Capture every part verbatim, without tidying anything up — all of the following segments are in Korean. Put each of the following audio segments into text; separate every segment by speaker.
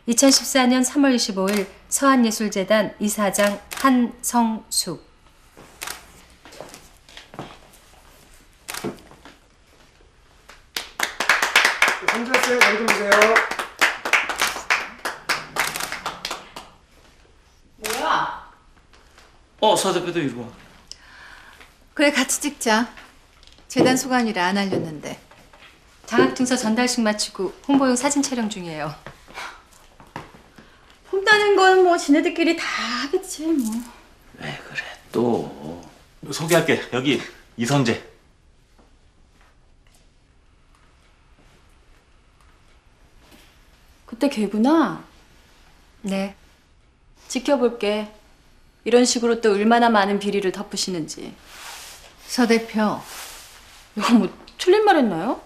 Speaker 1: 이천십사 년 삼월 이십오일 서한예술재단 이사장 한성숙.
Speaker 2: 앉으세요. 여기 보세요.
Speaker 3: 뭐야?
Speaker 4: 어, 서 대표도 이리 와.
Speaker 3: 그래, 같이 찍자. 재단 소관이라 안 알렸는데.
Speaker 1: 장학증서 전달식 마치고 홍보용 사진 촬영 중이에요.
Speaker 3: 폼따는 건 뭐 지네들끼리 다 하겠지 뭐.
Speaker 4: 왜 그래 또. 소개할게. 여기 이선재.
Speaker 3: 그때 걔구나.
Speaker 1: 네.
Speaker 3: 지켜볼게. 이런 식으로 또 얼마나 많은 비리를 덮으시는지. 서 대표, 이거 뭐 틀린 말 했나요?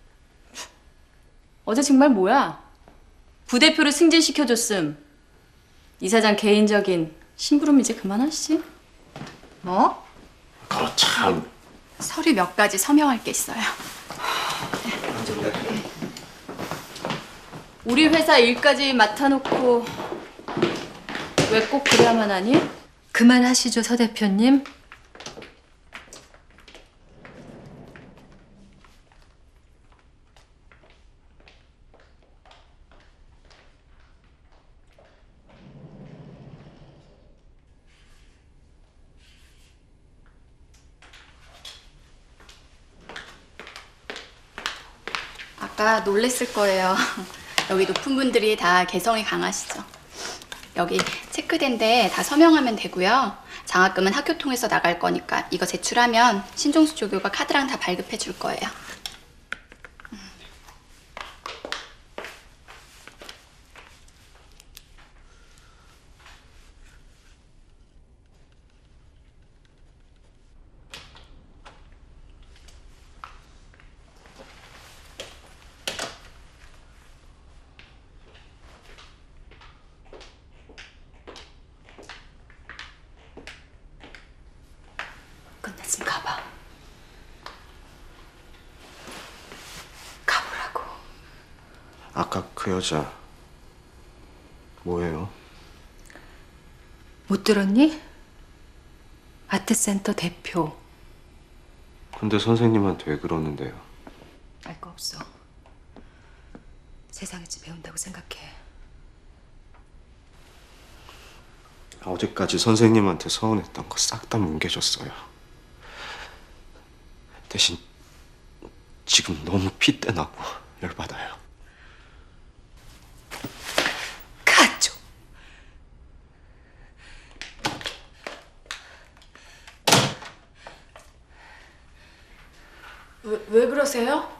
Speaker 3: 어제 정말 뭐야? 부대표를 승진시켜줬음. 이사장 개인적인 심부름 이제 그만하시지. 뭐?
Speaker 4: 거 참.
Speaker 3: 서류 몇 가지 서명할 게 있어요. 우리 회사 일까지 맡아놓고 왜 꼭 그래야만 하니?
Speaker 1: 그만하시죠, 서 대표님.
Speaker 5: 아까 놀랬을 거예요. 여기 높은 분들이 다 개성이 강하시죠. 여기 체크된데 다 서명하면 되고요. 장학금은 학교 통해서 나갈 거니까 이거 제출하면 신종수 조교가 카드랑 다 발급해 줄 거예요.
Speaker 1: 끝났으면 가봐. 가보라고.
Speaker 2: 아까 그 여자 뭐예요?
Speaker 1: 못 들었니? 아트센터 대표.
Speaker 2: 근데 선생님한테 왜 그러는데요?
Speaker 1: 알 거 없어. 세상에서 배운다고 생각해.
Speaker 2: 어제까지 선생님한테 서운했던 거 싹 다 뭉개졌어요. 대신 지금 너무 핏대나고 열받아요.
Speaker 1: 가죠.
Speaker 5: 왜, 왜 그러세요?